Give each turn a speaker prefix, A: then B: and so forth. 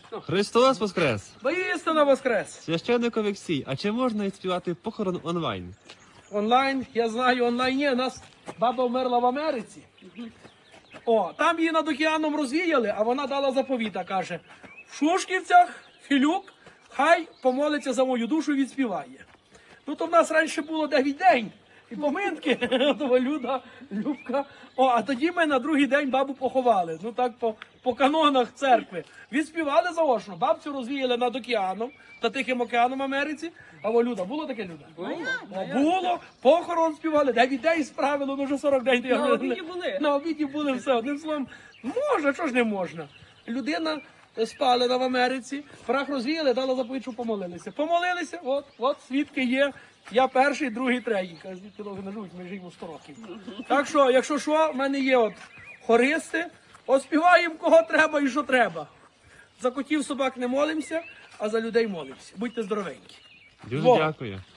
A: Христос Воскрес!
B: Воістину воскрес!
A: Священник Олексій, а чи можна відспівати похорон онлайн?
B: Онлайн, я знаю, онлайн є. У нас баба вмерла в Америці. О, там її над океаном розвіяли, а вона дала заповіта, каже, в Шушківцях Філюк хай помолиться за мою душу і відспіває. Ну, то в нас раніше було 9 день. І поминки, того Любка. О, а тоді ми на другий день бабу поховали. Ну так по канонах церкви. Відспівали заочно. Бабцю розвіяли над океаном, та Тихим океаном Америці. А во Люда, було таке, Люда? Було. Похорон співали, 9 день справили, ну вже 40 день.
C: На обіді були.
B: На обіді були все. Одним словом, можна, чого ж не можна. Людина спалена в Америці, прах розвіяли, дала заповідь, що помолилися. Помолилися, от свідки є. Я перший, другий, третій. Каже, звідки довго не живуть, ми живемо 100 років. Так що, якщо що, в мене є от хористи, оспіваємо кого треба і що треба. За котів, собак не молимося, а за людей молимося. Будьте здоровенькі.
A: Дуже
B: Бога.
A: дякую.